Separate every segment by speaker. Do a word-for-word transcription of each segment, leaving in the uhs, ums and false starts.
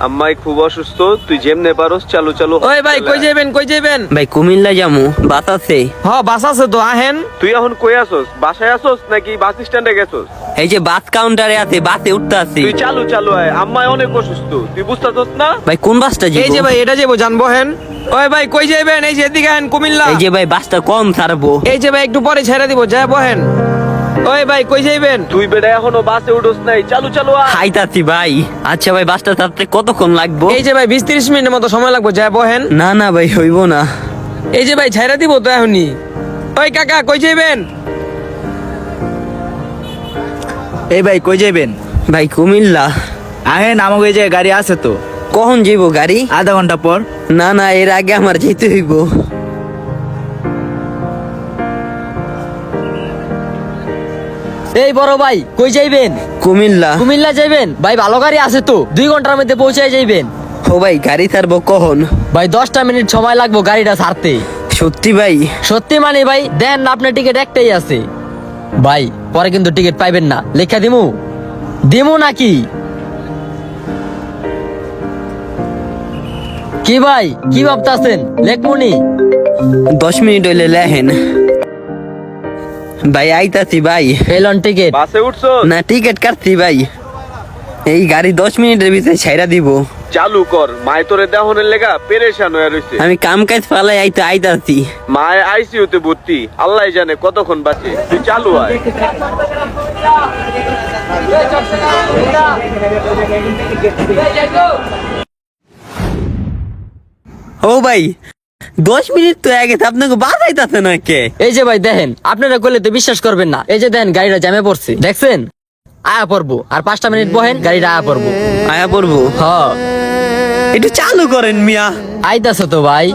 Speaker 1: আম্মাই খুব অসুস্থ, তুই যেমনে পারোস চালু চালু।
Speaker 2: ওই ভাই কই যাবেন কই যাবেন?
Speaker 3: ভাই কুমিল্লা যামু, বাস আছে?
Speaker 2: হ বাস আছে তো, আহেন।
Speaker 1: তুই এখন কই আসোস? বাসায় আসোস নাকি বাস স্ট্যান্ডে গেছোস?
Speaker 3: এই যে বাস কাউন্টারে আছে, বাসে উঠতে আছি।
Speaker 1: তুই চালু চালু আয়, আম্মাই অনেক অসুস্থ, তুই বুঝতাছস না?
Speaker 3: ভাই কোন বাসটা
Speaker 2: এই যে
Speaker 3: যাবো?
Speaker 2: ভাই এটা যাবো, জানবো হেন। ওই ভাই কই যাবেন? এই যে এদিকে আহেন, কুমিল্লা।
Speaker 3: এই যে ভাই বাসটা কম ছাড়বো।
Speaker 2: এই যে ভাই একটু পরে ছেড়ে দিব, যায় বহেন। ওই ভাই কই যাবেন?
Speaker 1: তুই বেটা এখনো বাসে উঠোস নাই, চালু চালু আয়।
Speaker 3: খাইতাছি ভাই। আচ্ছা ভাই বাসটা ছাড়তে কতক্ষণ লাগবো?
Speaker 2: এই যে ভাই বিশ ত্রিশ মিনিটের মতো সময় লাগবে, যায় বহেন।
Speaker 3: না না ভাই হইব না।
Speaker 2: এই যে ভাই ছেড়ে দিব তো এখনই। ওই কাকা কই যাবেন?
Speaker 4: এই ভাই কই যাবেন?
Speaker 3: ভাই কুমিল্লা।
Speaker 4: আহেন, আমাকে এই যে গাড়ি আছে তো।
Speaker 3: কখন যাইবো গাড়ি?
Speaker 4: আধা ঘন্টা পর।
Speaker 3: না না এর আগে আমার যেতে হইব।
Speaker 5: এই বড় ভাই কই যাইবেন?
Speaker 3: কুমিল্লা।
Speaker 5: কুমিল্লা যাইবেন? ভাই ভালো গাড়ি আছে তো, দুই ঘন্টার মধ্যে পৌঁছায় যাইবেন।
Speaker 3: ও ভাই গাড়ি ছাড়বো কখন?
Speaker 5: ভাই দশটা মিনিট সময় লাগবে গাড়িটা ছাড়তে।
Speaker 3: সত্যি ভাই?
Speaker 5: সত্যি মানে ভাই দেন না, আপনার টিকিট একটাই আছে। ভাই পরে কিন্তু টিকিট পাইবেন না, লেখা দিমু দিমু নাকি? কি ভাই কি ভাবতাছেন, লেখমুনি?
Speaker 3: দশ মিনিট হইলে লেহেন। ভাই আইতাছি ভাই।
Speaker 5: এলন টিকিট।
Speaker 1: বাসে উঠছস?
Speaker 3: না টিকিট কাটছি ভাই। এই গাড়ি দশ মিনিটের ভিতরে ছাইরা দিব।
Speaker 1: চালু কর, মায় তোরে দেহনের লেগা পেরেশান হয়ে রইছে।
Speaker 3: আমি কাম কাজ ফালাই আইতে আইতাছি।
Speaker 1: মায় আইসিইউতে ভর্তি, আল্লাহ জানে কতক্ষণ বাঁচে। তুই চালু আয়।
Speaker 3: ও ভাই দশ মিনিট তো আগে আপনাকে বাজাইতাছে না কে?
Speaker 5: এই যে ভাই দেখেন, আপনারা করলে তো বিশ্বাস করবেন না। এই যে দেখেন গাড়িটা জ্যামে পড়ছে, দেখছেন? আয়া পড়বো আর পাঁচটা মিনিট বহেন, গাড়িটা আয়া পড়বো।
Speaker 3: আয়া পড়বো?
Speaker 5: হ
Speaker 3: একটু চালু করেন মিয়া।
Speaker 5: আইতাছে তো ভাই।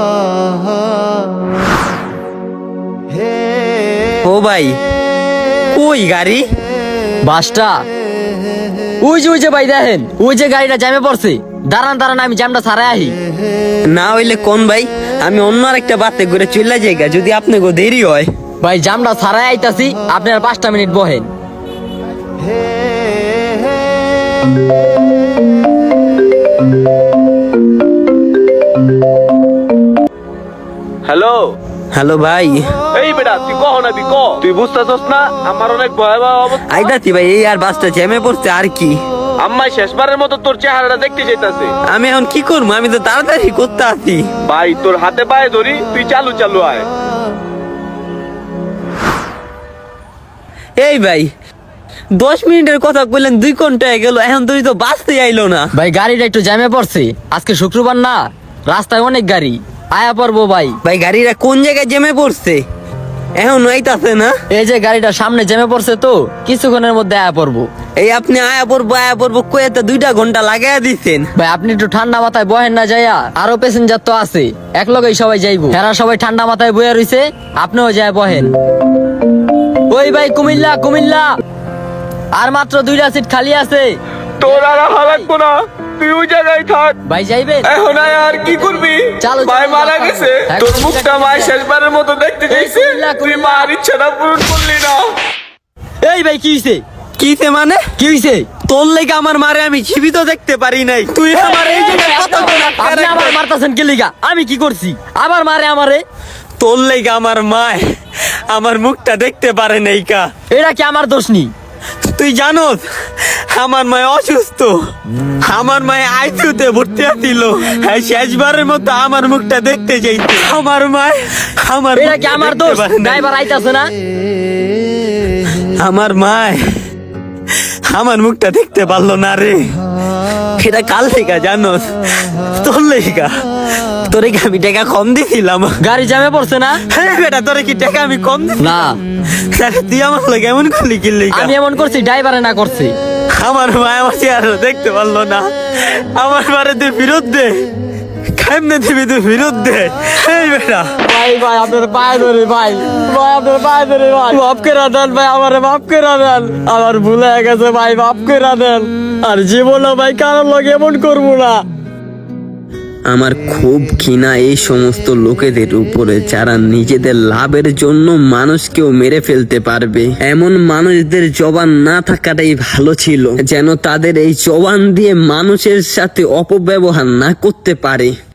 Speaker 3: ও ভাই কই গাড়ি?
Speaker 5: বাসটা ওই যে ওই যে ভাই দেখেন, ওই যে গাড়িটা জ্যামে পড়ছে। দাঁড়ান দাঁড়ান আমি জ্যামটা ছাড়াই আহি।
Speaker 3: না হইলে কোন ভাই, আমি অন্য আরেকটা বাতে করে চলে যাইগা যদি আপনাকে দেরি হয়।
Speaker 5: ভাই জামটা ছাড়াই আইতাছি, আপনার পাঁচটা মিনিট বহেন।
Speaker 1: হ্যালো
Speaker 3: হ্যালো ভাই।
Speaker 1: এই বেটা তুই কখন আবি ক? তুই বুঝতাছস না আমার অনেক ভয়াবহ অবস্থা।
Speaker 3: আইতাছি ভাই, এই আর বাসটা জ্যামে পড়ছে আর কি।
Speaker 1: আম্মাই শেষবারের মতো তোর চেহারাটা দেখতে চাইতাছে।
Speaker 3: আমি এখন কি করবো? আমি তো তাড়াতাড়ি করতে আছি।
Speaker 1: ভাই তোর হাতে পায়ে ধরি, তুই চালু চালু আয়।
Speaker 3: এই ভাই দশ মিনিটের কথা কইলেন, দুই ঘন্টা হয়ে গেল, এখন তুই তো বাসতে আইলো না।
Speaker 5: ভাই গাড়িটা একটু জ্যামে পড়ছে, আজকে শুক্রবার না, রাস্তায় অনেক গাড়ি। আয়া পড়বো ভাই।
Speaker 3: ভাই গাড়িটা কোন জায়গায় জ্যামে পড়ছে? এখন আইতাছে না।
Speaker 5: এই যে গাড়িটা সামনে জ্যামে পড়ছে তো, কিছুক্ষণের মধ্যে আয়া পড়বো।
Speaker 3: এই আপনি আয়া পড়বো আয়া পড়বো কয়ে তো দুইটা ঘন্টা লাগাইয়া দিচ্ছেন।
Speaker 5: ভাই আপনি একটু ঠান্ডা মাথায় বহেন না যাইয়া, আরো প্যাসেঞ্জার তো আছে, এক লগেই সবাই যাইবো। এরা সবাই ঠান্ডা মাথায় বয়ে রইছে, আপনিও যায় বহেন। ওই ভাই কুমিল্লা কুমিল্লা, আর মাত্র দুইটা সিট খালি আছে।
Speaker 1: তোর আর আহা লাগবো না, তুই ওই জায়গায় থাক।
Speaker 5: ভাই যাইবেন?
Speaker 1: এখন আয় আর কি করবি?
Speaker 5: চালু,
Speaker 1: ভাই
Speaker 5: চালু,
Speaker 1: মারা
Speaker 5: চালু।
Speaker 1: গেছে,
Speaker 5: হ্যাঁ,
Speaker 1: তোর
Speaker 5: কুমিল্লা,
Speaker 1: মুখটা মায়
Speaker 5: কুমিল্লা।
Speaker 1: শেষবারের মতো দেখতে চাইছে,
Speaker 5: কুমিল্লা,
Speaker 1: তুই
Speaker 5: কুমিল্লা।
Speaker 1: মার ইচ্ছাটা পূরণ করলি না।
Speaker 5: এই ভাই কি হইছে?
Speaker 3: কিসে মানে?
Speaker 5: কি হইছে?
Speaker 3: তোর লেগে আমার মারে আমি জীবিত দেখতে পারি নাই, তুই আমার এই জায়গায় কত বড় একটা
Speaker 5: আপনি আবার
Speaker 3: character।
Speaker 5: মারতাছেন কি লিগা? আমি কি করছি? আবার মারে আমারে?
Speaker 3: তোর লেগে আমার মায় আমার মুখটা দেখতে পারে নাই কা।
Speaker 5: এটা কি আমার দোষ নি?
Speaker 3: তুই জানোস আমার মায় অসুস্থ, আমার মায় আইসিইউতে ভর্তি আছিল। হ্যাঁ শেষবারের মতো আমার মুখটা দেখতে চাইছে। আমার মায় আমার
Speaker 5: এটা কি
Speaker 3: মুখটা
Speaker 5: আমার
Speaker 3: দেখতে
Speaker 5: দোষ?
Speaker 3: পারে নাই।
Speaker 5: ড্রাইভার আইতাছে না?
Speaker 3: আমার মায় আমার মুখটা দেখতে পারলো না রে। এটা কাল লেগা জানোস, তোর লেগা। তোরে কি আমি টাকা কম দিছিলাম?
Speaker 5: গাড়ি জ্যামে পড়ছে না?
Speaker 3: হ্যাঁ বেটা তোরে কি টাকা আমি কম দিছি?
Speaker 5: না,
Speaker 3: তাহলে তুই আমার লাগে এমন করলি কি লেগা?
Speaker 5: আমি এমন করছি, ড্রাইভারে না করছি।
Speaker 3: আমার মা আমার চেহারা দেখতে পারলো না। আমার মারে তুই ফিরত দে, কেমনে দিবি তুই ফিরত দে। এই বেটা
Speaker 5: ভাই ভাই আপনার পায়ে ধরে ভাই, ভাই আপনার পায়ে ধরে ভাই, মাফ করে দেন ভাই, আমারে মাফ করে দেন। আমার ভুল হয়ে গেছে ভাই, মাফ করে দেন। আর জীবনে ভাই কারোর লগে এমন করবো না।
Speaker 3: আমার খুব ঘৃণা এই সমস্ত লোকেদের উপরে যারা নিজেদের লাভের জন্য মানুষকেও মেরে ফেলতে পারবে। এমন মানুষদের জবান না থাকাটাই ভালো ছিল, যেন তাদের এই জবান দিয়ে মানুষের সাথে অপব্যবহার না করতে পারে।